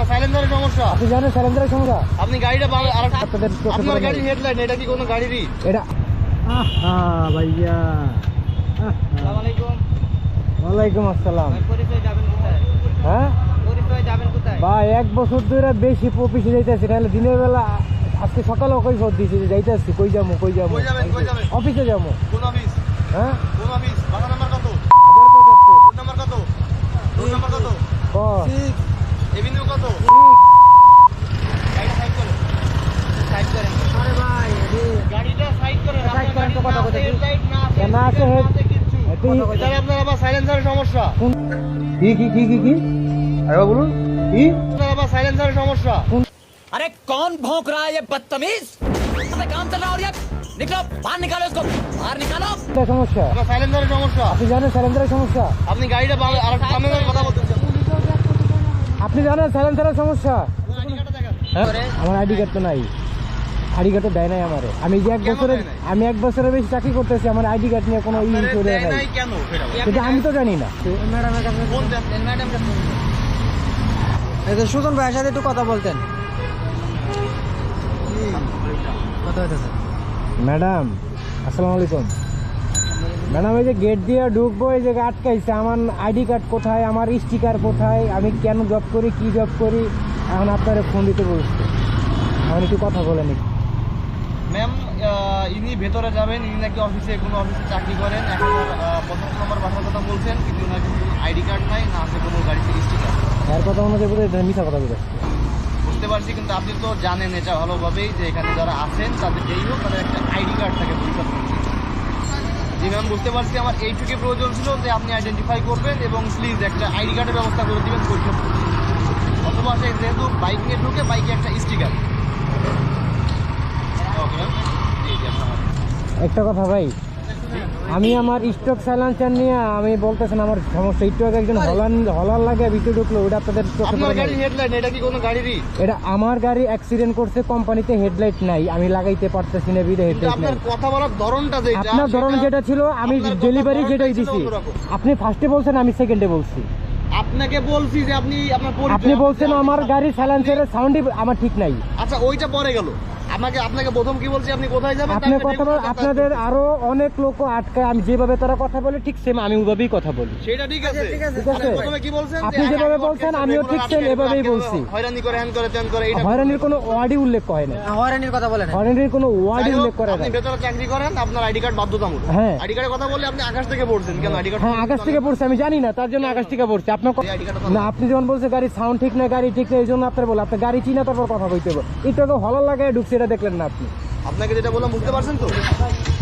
সাইলেন্সারের সমস্যা। আপনি জানেন সাইলেন্সারের সমস্যা? আপনি গাড়িটা আপনাদের আপনার গাড়ির হেডলাইট এটা কি কোনো গাড়িরই? এটা ভাইয়া। আসসালামু আলাইকুম। ওয়ালাইকুম আসসালাম। পরিচয় যাবেন কোথায়? হ্যাঁ পরিচয় যাবেন কোথায়? ভাই 1 বছর ধরে বেশি অফিসে যাইতেছি, নাহলে দিনের বেলা আজকে সকালেও কই ফোন দিয়েছি যে যাইতেছি। কই যাবো কই যাবেন? অফিসে যাবো। কোন অফিস? হ্যাঁ কোন অফিস? বাসা নাম্বার কত? আবার কত? রোড নাম্বার কত? রোড নাম্বার কত? ক 6 এভিনিউ কত? গাড়িটা সাইড করেন। সাইড করেন। আরে ভাই গাড়িটা সাইড করেন। সাইড করেন তো কথা বলতে কি? হেডলাইট না আছে। না আছে হেড কিচ্ছু। এটা আপনার আবার সাইলেন্সারের সমস্যা। কি আরে বলুন কি আপনার আবার সাইলেন্সারের সমস্যা। अरे कौन भौंक रहा है ये बदतमीज? काम चल रहा है और ये निकलो बाहर निकालो इसको बाहर निकालो। এটা সমস্যা? আপনার সাইলেন্সারের সমস্যা। আপনি জানেন সাইলেন্সারের সমস্যা? আপনি গাড়িটা আর সামনে ধরে কথা বলতেছেন। আপনি জানেন সাইলেন্সারের সমস্যা? আইডি কার্ডটা দেখান। আমার আইডি কার্ড তো নাই। আইডি কার্ড তো দেয় নাই আমারে। আমি যে 1 বছরের দেয় নাই? আমি 1 বছরের বেশি চাকরি করতেছি, আমার আইডি কার্ড নিয়ে কোনো করে দেয় নাই। নাই কেন? কিন্তু আমি তো জানি না। ম্যাডামের কাছে ফোন দেন। ম্যাডামকে ফোন দেন। এই যে সুজন ভাইয়ের সাথে একটু কথা বলতেন। কথা হইতেছে। ম্যাডাম আসসালামু আলাইকুম। ম্যাডাম এই যে গেট দিয়ে ঢুকবো, এই জায়গায় আটকাইছে। আমার আইডি কার্ড কোথায়, আমার স্টিকার কোথায়, আমি কেন জব করি, কি জব করি, এখন আপনারা ফোন দিতে বলছে। এখন একটু কথা বলেন। ম্যাম ইনি ভেতরে যাবেন। ইনি নাকি অফিসে কোনো অফিসে চাকরি করেন। এখন 15 নম্বর বাসার কথা বলছেন, কিন্তু ওনার কিন্তু আইডি কার্ড নাই, না আছে কোনো গাড়িতে স্টিকার। এর কথা অনুযায়ী বোধহয় মিথ্যা কথা বলছে। বুঝতে পারছি, কিন্তু আপনি তো জানেন এটা ভালোভাবেই যে এখানে যারা আছেন তাদের যেই হোক তাদের একটা আইডি কার্ড থাকে পরীক্ষা করছি। জি ম্যাম বুঝতে পারছি, আমার এইটুকুই প্রয়োজন ছিল যে আপনি আইডেন্টিফাই করবেন এবং প্লিজ একটা আইডি কার্ডের ব্যবস্থা করে দিবেন পরীক্ষা করছি। অথবা সে যেহেতু বাইক নিয়ে ঢুকে বাইকে একটা স্টিকার। Okay ma'am. জি জি আপনার একটা কথা ভাই, আমি আমার স্টক সাইলেন্সার নিয়ে আমি বলতেছেন আমার সমস্যা। একটু আগে একজন হলার লাগে ভিতরে ঢুকলো, ওটা আপনাদের চোখে আপনার পড়ে নাই? গাড়ির হেডলাইট এটা কি কোনো গাড়িরই? এটা আমার গাড়ি অ্যাক্সিডেন্ট করছে, কোম্পানিতে হেডলাইট নাই, আমি লাগাইতে পারতেছি না, বিদে কিন্তু হেডলাইট নাই। আপনার কথা বলার ধরনটা যেটা, আপনার ধরন যেটা ছিল, আমি আপনার কথা ডেলিভারি ধরনটাই যেটাই ছিল দিছি। অন্যরকম। আপনি ফার্স্টে বলছেন, আমি সেকেন্ডে বলছি। আপনাকে বলছি যে আপনি আপনার পরিচয়। আপনি বলছেন আমার গাড়ির সাইলেন্সারের সাউন্ডই আমার ঠিক নাই। আচ্ছা ওইটা পরে গেল। আপনাকে প্রথম কি বলছি, আপনি কোথায় যাবেন? আপনি কথা বল, আপনাদের আরো অনেক লোক আটকায়, আমি যেভাবে তারা কথা বলে ঠিক সেম আমি ওইভাবেই কথা বলি। সেটা ঠিক আছে। ঠিক আছে। আপনি প্রথমে কি বলছেন? আপনি যেভাবে বলছেন আমিও ঠিক সেম এভাবেই বলছি। হয়রানি করে হ্যান করে ত্যান করে এইটা। হয়রানির কোনো ওয়ার্ডই উল্লেখ করে না। হয়রানির কথা বলেন। হয়রানির কোনো ওয়ার্ডই যাই হোক, উল্লেখ করে না। আপনি ভেতরে চাকরি করেন, আপনার আইডি কার্ড বাধ্যতামূলক। হ্যাঁ। আইডি কার্ডের কথা বললে আপনি আকাশ থেকে পড়ছেন কেন? আইডি কার্ড হ্যাঁ আকাশ থেকে পড়ছে, আমি জানি না, তার জন্য আকাশ থেকে পড়ছে। আপনার আইডি কার্ড না, আপনি যখন বলছে গাড়ির সাউন্ড ঠিক না, গাড়ি ঠিক না, এই জন্য আপনার বলে আপনার গাড়ি চিনা তারপর কথা বলতে হবে। একটু তো হলার লাগায় ঢুকছে, এটা দেখলেন না আপনি? আপনাকে যেটা বললাম বুঝতে পারছেন তো?